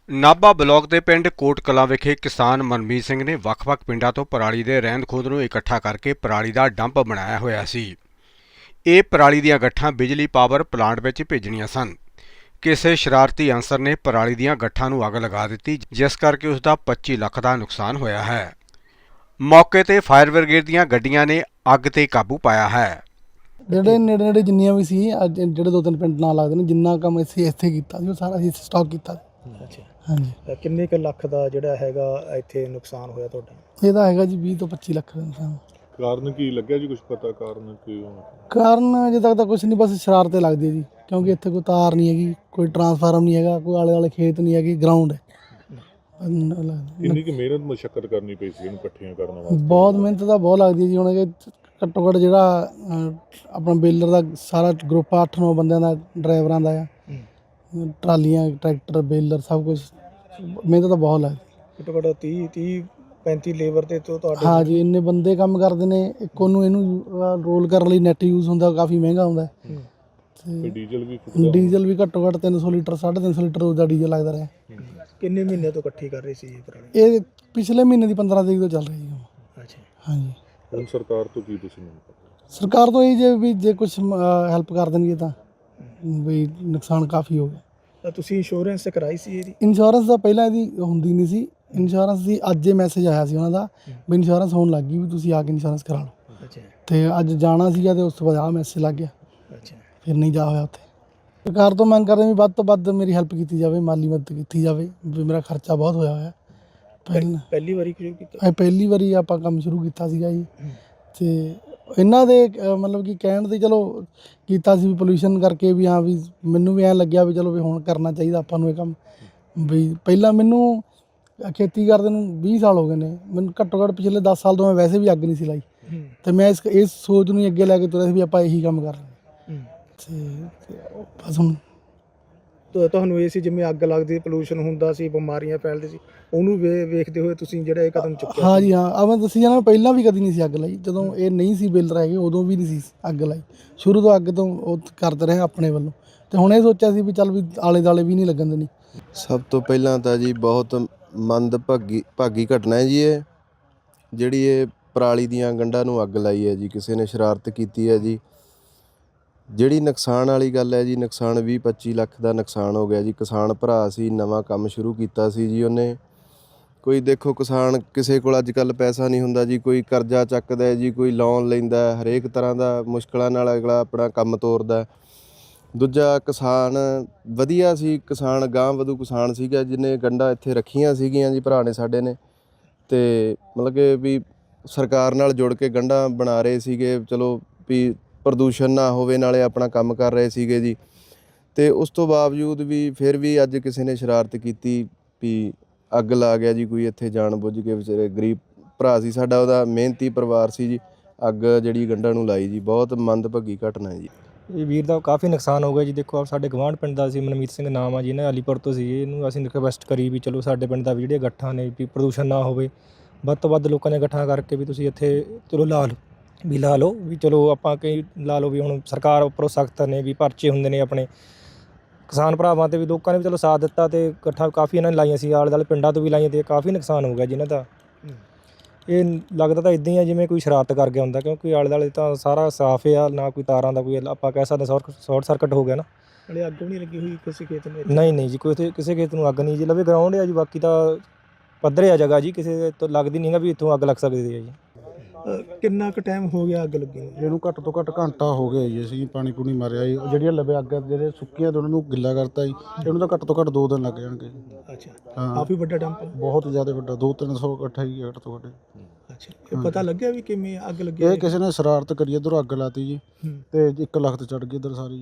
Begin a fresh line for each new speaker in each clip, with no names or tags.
Nabha block ਦੇ ਪਿੰਡ ਕੋਟ ਕਲਾਂ ਵਿਖੇ ਕਿਸਾਨ ਮਨਮੀਤ ਸਿੰਘ ਨੇ ਵੱਖ-ਵੱਖ ਪਿੰਡਾਂ ਤੋਂ ਪਰਾਲੀ ਦੇ ਰਹਿੰਦ ਖੂੰਹਦ ਨੂੰ ਇਕੱਠਾ ਕਰਕੇ ਪਰਾਲੀ ਦਾ ਡੰਪ ਬਣਾਇਆ ਹੋਇਆ ਸੀ। ਇਹ ਪਰਾਲੀ ਦੀਆਂ ਗੱਠਾਂ ਬਿਜਲੀ ਪਾਵਰ ਪਲਾਂਟ ਵਿੱਚ ਭੇਜਣੀਆਂ ਸਨ। ਕਿਸੇ ਸ਼ਰਾਰਤੀ ਅਨਸਰ ਨੇ ਪਰਾਲੀ ਦੀਆਂ ਗੱਠਾਂ ਨੂੰ ਅੱਗ ਲਗਾ ਦਿੱਤੀ, ਜਿਸ ਕਰਕੇ ਉਸ ਦਾ 25 ਲੱਖ ਦਾ ਨੁਕਸਾਨ ਹੋਇਆ ਹੈ। ਮੌਕੇ ਤੇ ਫਾਇਰ ਬ੍ਰਿਗੇਡ ਦੀਆਂ ਗੱਡੀਆਂ ਨੇ ਅੱਗ ਤੇ ਕਾਬੂ ਪਾਇਆ ਹੈ।
ਜਿਹੜੇ ਨੇੜੇ ਜਿੰਨੀਆਂ ਵੀ ਸੀ ਅੱਜ ਜਿਹੜੇ 2-3 ਪਿੰਡ ਨਾਲ ਲੱਗਦੇ ਨੇ, ਜਿੰਨਾ ਕੰਮ ਅਸੀਂ ਇੱਥੇ ਕੀਤਾ ਸੀ ਉਹ ਸਾਰਾ ਅਸੀਂ ਸਟਾਕ ਕੀਤਾ।
ਅੱਛਾ,
ਹਾਂਜੀ।
ਕਿੰਨੇ ਕੁ ਲੱਖ ਦਾ ਜਿਹੜਾ ਹੈਗਾ ਇੱਥੇ ਨੁਕਸਾਨ ਹੋਇਆ ਤੁਹਾਡਾ?
ਇਹਦਾ ਹੈਗਾ ਜੀ 20 ਤੋਂ 25 ਲੱਖ ਦਾ ਨੁਕਸਾਨ।
ਕਾਰਨ ਕੀ ਲੱਗਿਆ ਜੀ? ਕੁਝ ਪਤਾ ਕਾਰਨ ਕੀ ਹੋਣਾ?
ਕਾਰਨ ਅਜੇ ਤੱਕ ਤਾਂ ਕੁਝ ਨਹੀਂ, ਬਸ ਸ਼ਰਾਰਤੇ ਲੱਗਦੀ ਹੈ ਜੀ, ਕਿਉਂਕਿ ਇੱਥੇ ਕੋਈ ਤਾਰ ਨਹੀਂ ਹੈਗੀ, ਕੋਈ ਟਰਾਂਸਫਾਰਮ ਨਹੀਂ ਹੈਗਾ, ਕੋਈ ਆਲੇ ਦੁਆਲੇ ਖੇਤ ਨਹੀਂ ਹੈਗੀ, ਗਰਾਊਂਡ ਹੈ।
ਕਿੰਨੀ ਕੁ ਮਿਹਨਤ ਮਸ਼ੱਕਤ ਕਰਨੀ ਪਈ ਸੀ ਇਹਨੂੰ ਇਕੱਠੀਆਂ ਕਰਨ ਵਾਸਤੇ?
ਬਹੁਤ ਮਿਹਨਤ ਤਾਂ ਬਹੁਤ ਲੱਗਦੀ ਹੈ ਜੀ। ਹੁਣ ਘੱਟੋ ਘੱਟ ਜਿਹੜਾ ਆਪਣਾ ਬੇਲਰ ਦਾ ਸਾਰਾ ਗਰੁੱਪ 8-9 ਬੰਦਿਆਂ ਦਾ, ਡਰਾਈਵਰਾਂ ਦਾ ਆ, ਟਰਾਲੀਆਂ, ਟਰੈਕਟਰ, ਬੇਲਰ, ਸਭ ਕੁਝ ਮਿਹਨਤ ਤਾਂ ਬਹੁਤ ਲੱਗਦੀ।
ਘੱਟੋ ਘੱਟ 30-35 ਲੇਬਰ ਤੇ ਤੁਹਾਡੇ?
ਹਾਂ ਜੀ, ਇੰਨੇ ਬੰਦੇ ਕੰਮ ਕਰਦੇ ਨੇ। ਇੱਕ ਇਹਨੂੰ ਰੋਲ ਕਰਨ ਲਈ ਨੈਟ ਯੂਜ਼ ਹੁੰਦਾ, ਕਾਫੀ ਮਹਿੰਗਾ ਹੁੰਦਾ।
ਤੇ ਡੀਜ਼ਲ ਵੀ
ਘੱਟੋ ਘੱਟ 300 ਲੀਟਰ 350 ਲੀਟਰ ਦਾ ਡੀਜ਼ਲ ਲੱਗਦਾ ਰਿਹਾ।
ਕਿੰਨੇ ਮਹੀਨੇ ਤੋਂ ਇਕੱਠੀ ਕਰ ਰਹੇ ਸੀ ਇਹ ਪਰਾਲੀ?
ਇਹ ਪਿਛਲੇ ਮਹੀਨੇ ਦੀ 15 ਤਰੀਕ ਤੋਂ ਚੱਲ ਰਹੀ ਹੈ।
ਅੱਛਾ,
ਹਾਂਜੀ।
ਹੁਣ ਸਰਕਾਰ ਤੋਂ ਕੀ ਤੁਸੀਂ ਮੰਗ ਕਰਦੇ?
ਸਰਕਾਰ ਤੋਂ ਇਹ ਜੇ ਕੁਝ ਹੈਲਪ ਕਰ ਦੇਣਗੇ ਤਾਂ ਵੀ ਨੁਕਸਾਨ ਕਾਫੀ ਹੋ ਗਿਆ।
ਤਾਂ ਤੁਸੀਂ ਇੰਸ਼ੋਰੈਂਸ ਕਰਾਈ ਸੀ ਇਹਦੀ?
ਇੰਸ਼ੋਰੈਂਸ ਦਾ ਪਹਿਲਾਂ ਇਹਦੀ ਹੁੰਦੀ ਨਹੀਂ ਸੀ। ਇੰਸ਼ੋਰੈਂਸ ਦੀ ਅੱਜ ਇਹ ਮੈਸੇਜ ਆਇਆ ਸੀ ਉਹਨਾਂ ਦਾ ਵੀ ਇੰਸ਼ੋਰੈਂਸ ਹੋਣ ਲੱਗ ਗਈ, ਵੀ ਤੁਸੀਂ ਆ ਕੇ ਇੰਸ਼ੋਰੈਂਸ ਕਰਾ ਲਓ।
ਅੱਛਾ।
ਤੇ ਅੱਜ ਜਾਣਾ ਸੀਗਾ ਤੇ ਉਸ ਤੋਂ ਬਾਅਦ ਆਹ ਮੈਸੇਜ ਲੱਗ ਗਿਆ।
ਅੱਛਾ।
ਫਿਰ ਨਹੀਂ ਜਾ ਹੋਇਆ ਉੱਥੇ। ਸਰਕਾਰ ਤੋਂ ਮੰਗ ਕਰਦੇ ਵੀ ਵੱਧ ਤੋਂ ਵੱਧ ਮੇਰੀ ਹੈਲਪ ਕੀਤੀ ਜਾਵੇ, ਮਾਲੀ ਮਦਦ ਕੀਤੀ ਜਾਵੇ, ਵੀ ਮੇਰਾ ਖਰਚਾ ਬਹੁਤ ਹੋਇਆ ਹੋਇਆ।
ਪਹਿਲੀ ਵਾਰੀ ਸ਼ੁਰੂ ਕੀਤਾ?
ਪਹਿਲੀ ਵਾਰੀ ਆਪਾਂ ਕੰਮ ਸ਼ੁਰੂ ਕੀਤਾ ਸੀਗਾ ਜੀ। ਤੇ ਇਹਨਾਂ ਦੇ ਮਤਲਬ ਕਿ ਕਹਿਣ ਦੇ ਚਲੋ ਕੀਤਾ ਸੀ, ਵੀ ਪੋਲਿਊਸ਼ਨ ਕਰਕੇ, ਵੀ ਹਾਂ ਵੀ ਮੈਨੂੰ ਵੀ ਐਂ ਲੱਗਿਆ ਵੀ ਚਲੋ ਵੀ ਹੁਣ ਕਰਨਾ ਚਾਹੀਦਾ ਆਪਾਂ ਨੂੰ ਇਹ ਕੰਮ। ਵੀ ਪਹਿਲਾਂ ਮੈਨੂੰ ਖੇਤੀ ਕਰਦੇ ਨੂੰ 20 ਸਾਲ ਹੋ ਗਏ ਨੇ, ਮੈਨੂੰ ਘੱਟੋ ਘੱਟ ਪਿਛਲੇ 10 ਸਾਲ ਤੋਂ ਮੈਂ ਵੈਸੇ ਵੀ ਅੱਗ ਨਹੀਂ ਸੀ ਲਾਈ। ਤੇ ਮੈਂ ਇਸ ਸੋਚ ਨੂੰ ਅੱਗੇ ਲੈ ਕੇ ਤੁਰਿਆ ਸੀ ਵੀ ਆਪਾਂ ਇਹੀ ਕੰਮ ਕਰਨਾ। ਤੇ ਬਸ ਹੁਣ
ਤੁਹਾਨੂੰ ਇਹ ਸੀ ਜਿਵੇਂ ਅੱਗ ਲੱਗਦੀ, ਪੋਲਿਊਸ਼ਨ ਹੁੰਦਾ ਸੀ, ਬਿਮਾਰੀਆਂ ਫੈਲਦੀ ਸੀ, ਉਹਨੂੰ ਵੇਖਦੇ ਹੋਏ ਤੁਸੀਂ ਜਿਹੜਾ ਇਹ ਕਦਮ ਚੁੱਕਿਆ?
ਹਾਂ ਜੀ, ਹਾਂ। ਮੈਂ ਦੱਸੀ ਜਾਣਾ, ਪਹਿਲਾਂ ਵੀ ਕਦੀ ਨਹੀਂ ਸੀ ਅੱਗ ਲਾਈ। ਜਦੋਂ ਇਹ ਨਹੀਂ ਸੀ ਬੇਲਰ ਹੈਗੇ ਉਦੋਂ ਵੀ ਨਹੀਂ ਸੀ ਅੱਗ ਲਾਈ। ਸ਼ੁਰੂ ਤੋਂ ਅੱਗ ਤੋਂ ਉਹ ਕਰਦੇ ਰਹੇ ਆਪਣੇ ਵੱਲੋਂ। ਤੇ ਹੁਣ ਇਹ ਸੋਚਿਆ ਸੀ ਵੀ ਚੱਲ ਵੀ ਆਲੇ ਦੁਆਲੇ ਵੀ ਨਹੀਂ ਲੱਗਣ ਦੇਣੀ।
ਸਭ ਤੋਂ ਪਹਿਲਾਂ ਤਾਂ ਜੀ ਬਹੁਤ ਮੰਦਭਾਗੀ ਘਟਨਾ ਹੈ ਜੀ ਇਹ, ਜਿਹੜੀ ਇਹ ਪਰਾਲੀ ਦੀਆਂ ਗੰਢਾਂ ਨੂੰ ਅੱਗ ਲਾਈ ਹੈ ਜੀ, ਕਿਸੇ ਨੇ ਸ਼ਰਾਰਤ ਕੀਤੀ ਹੈ ਜੀ। ਜਿਹੜੀ ਨੁਕਸਾਨ ਵਾਲੀ ਗੱਲ ਹੈ ਜੀ, ਨੁਕਸਾਨ 20-25 ਲੱਖ ਦਾ ਨੁਕਸਾਨ ਹੋ ਗਿਆ ਜੀ। ਕਿਸਾਨ ਭਰਾ ਸੀ, ਨਵਾਂ ਕੰਮ ਸ਼ੁਰੂ ਕੀਤਾ ਸੀ ਜੀ ਉਹਨੇ। ਕੋਈ ਦੇਖੋ, ਕਿਸਾਨ ਕਿਸੇ ਕੋਲ ਅੱਜ ਕੱਲ੍ਹ ਪੈਸਾ ਨਹੀਂ ਹੁੰਦਾ ਜੀ, ਕੋਈ ਕਰਜ਼ਾ ਚੱਕਦਾ ਜੀ, ਕੋਈ ਲੋਨ ਲੈਂਦਾ, ਹਰੇਕ ਤਰ੍ਹਾਂ ਦਾ ਮੁਸ਼ਕਲਾਂ ਨਾਲ ਅਗਲਾ ਆਪਣਾ ਕੰਮ ਤੋਰਦਾ। ਦੂਜਾ ਕਿਸਾਨ ਵਧੀਆ ਸੀ, ਕਿਸਾਨ ਗਾਂਹ ਵਧੂ ਕਿਸਾਨ ਸੀਗਾ, ਜਿਹਨੇ ਗੰਢਾਂ ਇੱਥੇ ਰੱਖੀਆਂ ਸੀਗੀਆਂ ਜੀ, ਭਰਾ ਨੇ ਸਾਡੇ ਨੇ। ਅਤੇ ਮਤਲਬ ਕਿ ਵੀ ਸਰਕਾਰ ਨਾਲ ਜੁੜ ਕੇ ਗੰਢਾਂ ਬਣਾ ਰਹੇ ਸੀਗੇ, ਚਲੋ ਵੀ ਪ੍ਰਦੂਸ਼ਣ ਨਾ ਹੋਵੇ, ਨਾਲੇ ਆਪਣਾ ਕੰਮ ਕਰ ਰਹੇ ਸੀਗੇ ਜੀ। ਅਤੇ ਉਸ ਤੋਂ ਬਾਵਜੂਦ ਵੀ ਫਿਰ ਵੀ ਅੱਜ ਕਿਸੇ ਨੇ ਸ਼ਰਾਰਤ ਕੀਤੀ ਵੀ ਅੱਗ ਲਾ ਗਿਆ ਜੀ ਕੋਈ ਇੱਥੇ, ਜਾਣ ਬੁੱਝ ਕੇ। ਵਿਚਾਰੇ ਗਰੀਬ ਭਰਾ ਸੀ ਸਾਡਾ, ਉਹਦਾ ਮਿਹਨਤੀ ਪਰਿਵਾਰ ਸੀ ਜੀ, ਅੱਗ ਜਿਹੜੀ ਗੰਢਾਂ ਨੂੰ ਲਾਈ ਜੀ। ਬਹੁਤ ਮੰਦਭਾਗੀ ਘਟਨਾ ਹੈ ਜੀ।
ਇਹ ਵੀਰ ਦਾ ਕਾਫੀ ਨੁਕਸਾਨ ਹੋ ਗਿਆ ਜੀ। ਦੇਖੋ, ਸਾਡੇ ਗਵਾਂਢ ਪਿੰਡ ਦਾ ਸੀ, ਮਨਮੀਤ ਸਿੰਘ ਨਾਮ ਆ ਜੀ, ਇਹਨਾਂ ਅਲੀਪੁਰ ਤੋਂ ਸੀ। ਇਹਨੂੰ ਅਸੀਂ ਰਿਕਵੈਸਟ ਕਰੀ ਵੀ ਚਲੋ ਸਾਡੇ ਪਿੰਡ ਦਾ ਵੀ ਜਿਹੜੀਆਂ ਗੱਠਾਂ ਨੇ ਵੀ ਪ੍ਰਦੂਸ਼ਣ ਨਾ ਹੋਵੇ, ਵੱਧ ਤੋਂ ਵੱਧ ਲੋਕਾਂ ਨੇ ਗੱਠਾਂ ਕਰਕੇ ਵੀ ਤੁਸੀਂ ਇੱਥੇ ਚਲੋ ਲਾ ਲਓ ਵੀ ਚਲੋ ਆਪਾਂ ਕਈ ਲਾ ਲਓ ਵੀ ਹੁਣ ਸਰਕਾਰ ਉੱਪਰੋਂ ਸਖਤ ਨੇ, ਵੀ ਪਰਚੇ ਹੁੰਦੇ ਨੇ ਆਪਣੇ ਕਿਸਾਨ ਭਰਾਵਾਂ 'ਤੇ, ਵੀ ਲੋਕਾਂ ਨੇ ਵੀ ਚਲੋ ਸਾਥ ਦਿੱਤਾ ਅਤੇ ਗੱਠਾਂ ਕਾਫੀ ਇਹਨਾਂ ਨੇ ਲਾਈਆਂ ਸੀ, ਆਲੇ ਦੁਆਲੇ ਪਿੰਡਾਂ ਤੋਂ ਵੀ ਲਾਈਆਂ, ਅਤੇ ਕਾਫੀ ਨੁਕਸਾਨ ਹੋ ਗਿਆ ਜੀ ਇਹਨਾਂ ਦਾ। ਇਹ ਲੱਗਦਾ ਤਾਂ ਇੱਦਾਂ ਹੀ ਆ ਜਿਵੇਂ ਕੋਈ ਸ਼ਰਾਰਤ ਕਰ ਗਿਆ ਹੁੰਦਾ, ਕਿਉਂਕਿ ਆਲੇ ਦੁਆਲੇ ਤਾਂ ਸਾਰਾ ਸਾਫ਼ ਆ, ਨਾ ਕੋਈ ਤਾਰਾਂ ਦਾ ਕੋਈ ਆਪਾਂ ਕਹਿ ਸਕਦੇ ਸ਼ਾਰਟ ਸਰਕਟ ਹੋ ਗਿਆ ਨਾ।
ਹਲੇ ਅੱਗ ਵੀ ਨਹੀਂ ਲੱਗੀ ਹੋਈ ਕਿਸੇ ਖੇਤ ਨੂੰ?
ਨਹੀਂ ਜੀ, ਕਿਸੇ ਖੇਤ ਨੂੰ ਅੱਗ ਨਹੀਂ ਜੀ। ਲਵੇ ਗਰਾਊਂਡ ਆ ਜੀ, ਬਾਕੀ ਤਾਂ ਪੱਧਰੇ ਆ ਜਗ੍ਹਾ ਜੀ, ਕਿਸੇ ਤੋਂ ਲੱਗਦੀ ਨਹੀਂ ਗਾ ਵੀ ਇੱਥੋਂ ਅੱਗ ਲੱਗ ਸਕਦੀ ਹੈ ਜੀ।
ਕਿੰਨਾ ਕੁ ਟਾਈਮ ਹੋ ਗਿਆ ਅੱਗ ਲੱਗੀ ਨੂੰ?
ਇਹਨੂੰ ਘੱਟ ਤੋਂ ਘੱਟ ਘੰਟਾ ਹੋ ਗਿਆ ਜੀ। ਅਸੀਂ ਪਾਣੀ ਪੂਣੀ ਮਾਰਿਆ ਜੀ, ਜਿਹੜੀਆਂ ਲਵੇ ਅੱਗ ਜਿਹੜੇ ਸੁੱਕੀਆਂ ਤੇ ਉਹਨਾਂ ਨੂੰ ਗਿੱਲਾ ਕਰਤਾ ਜੀ। ਇਹਨੂੰ ਤਾਂ ਘੱਟ ਤੋਂ ਘੱਟ 2 ਦਿਨ ਲੱਗ ਜਾਣਗੇ।
ਅੱਛਾ,
ਹਾਂ,
ਕਾਫੀ ਵੱਡਾ ਡੰਪ?
ਬਹੁਤ ਜ਼ਿਆਦਾ ਵੱਡਾ, 200-300 ਇਕੱਠਾ ਹੀ ਘੱਟ ਤੋਂ ਘੱਟ।
ਅੱਛਾ, ਇਹ ਪਤਾ ਲੱਗਿਆ ਵੀ ਕਿਵੇਂ ਅੱਗ ਲੱਗੀ?
ਇਹ ਕਿਸੇ ਨੇ ਸ਼ਰਾਰਤ ਕਰੀ, ਇੱਧਰੋਂ ਅੱਗ ਲਾਤੀ ਜੀ, ਤੇ 1 ਲੱਖ ਤੇ ਚੜ੍ਹ ਗਈ ਇੱਧਰ ਸਾਰੀ।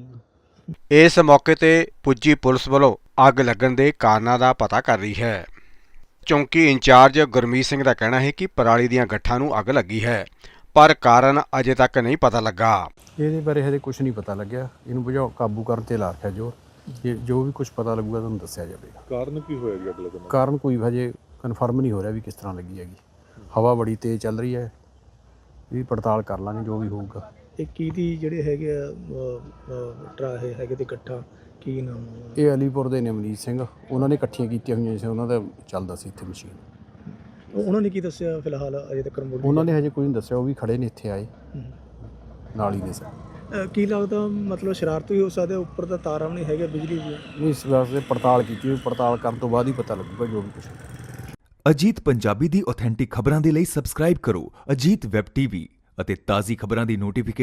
ਇਸ ਮੌਕੇ ਤੇ ਪੁੱਜੀ ਪੁਲਿਸ ਵੱਲੋਂ ਅੱਗ ਲੱਗਣ ਦੇ ਕਾਰਨਾਂ ਦਾ ਪਤਾ ਕਰ ਰਹੀ ਹੈ। ਚੌਂਕੀ ਇੰਚਾਰਜ ਗੁਰਮੀਤ ਸਿੰਘ ਦਾ ਕਹਿਣਾ ਹੈ ਕਿ ਪਰਾਲੀ ਦੀਆਂ ਗੱਠਾਂ ਨੂੰ ਅੱਗ ਲੱਗੀ ਹੈ, ਪਰ ਕਾਰਨ ਅਜੇ ਤੱਕ ਨਹੀਂ ਪਤਾ ਲੱਗਾ।
ਇਹਦੇ ਬਾਰੇ ਹਜੇ ਕੁਝ ਨਹੀਂ ਪਤਾ ਲੱਗਿਆ। ਇਹਨੂੰ ਕਾਬੂ ਕਰਨ 'ਤੇ ਲਾ ਰੱਖਿਆ ਜੋ ਵੀ ਕੁਝ ਪਤਾ ਲੱਗੂਗਾ ਤੁਹਾਨੂੰ ਦੱਸਿਆ ਜਾਵੇਗਾ।
ਕਾਰਨ ਕੀ ਹੋਇਆ ਜੀ ਅੱਗ ਲੱਗਣ ਦਾ?
ਕਾਰਨ ਕੋਈ ਹਜੇ ਕਨਫਰਮ ਨਹੀਂ ਹੋ ਰਿਹਾ ਵੀ ਕਿਸ ਤਰ੍ਹਾਂ ਲੱਗੀ ਹੈਗੀ। ਹਵਾ ਬੜੀ ਤੇਜ਼ ਚੱਲ ਰਹੀ ਹੈ, ਇਹ ਪੜਤਾਲ ਕਰ ਲਾਂਗੇ ਜੋ ਵੀ ਹੋਊਗਾ।
ਇਹ ਕਿਹਦੀ ਜਿਹੜੇ ਹੈਗੇ ਆ ਟਰਾਹੇ ਹੈਗੇ ਤੇ ਇਕੱਠਾ ਕੀ ਨਾਮ ਆ ਉਹਨਾਂ ਦਾ?
ਇਹ ਅਲੀਪੁਰ ਦੇ ਨੇ ਅਮਰੀਤ ਸਿੰਘ, ਉਹਨਾਂ ਨੇ ਇਕੱਠੀਆਂ ਕੀਤੀਆਂ ਹੋਈਆਂ ਸੀ, ਉਹਨਾਂ ਦਾ ਚੱਲਦਾ ਸੀ ਇੱਥੇ ਮਸ਼ੀਨ।
ਉਹਨਾਂ ਨੇ ਕੀ ਦੱਸਿਆ ਫਿਲਹਾਲ ਅਜੇ ਤੱਕ
ਉਹਨਾਂ ਨੇ ਹਜੇ ਕੋਈ ਨਹੀਂ ਦੱਸਿਆ, ਉਹ ਵੀ ਖੜੇ ਨੇ ਇੱਥੇ ਆਏ ਨਾਲ ਹੀ ਦੇ ਸਰ।
ਕੀ ਲੱਗਦਾ ਮਤਲਬ ਸ਼ਰਾਰਤ ਵੀ ਹੋ ਸਕਦੀ ਹੈ, ਉੱਪਰ ਤਾਂ ਤਾਰਾਂ ਵੀ ਨਹੀਂ ਹੈਗੇ ਬਿਜਲੀ ਦੀਆਂ?
ਨਹੀਂ, ਇਸ ਵਾਸਤੇ ਪੜਤਾਲ ਕੀਤੀ, ਪੜਤਾਲ ਕਰਨ ਤੋਂ ਬਾਅਦ ਹੀ ਪਤਾ ਲੱਗੂਗਾ ਜੋ ਵੀ ਕੁਛ।
ਅਜੀਤ ਪੰਜਾਬੀ ਦੀ ਆਥੈਂਟਿਕ ਖਬਰਾਂ ਦੇ ਲਈ ਸਬਸਕ੍ਰਾਈਬ ਕਰੋ ਅਜੀਤ ਵੈਬ ਟੀਵੀ ਅਤੇ ਤਾਜ਼ੀ ਖਬਰਾਂ ਦੀ ਨੋਟੀਫਿਕੇਸ਼ਨ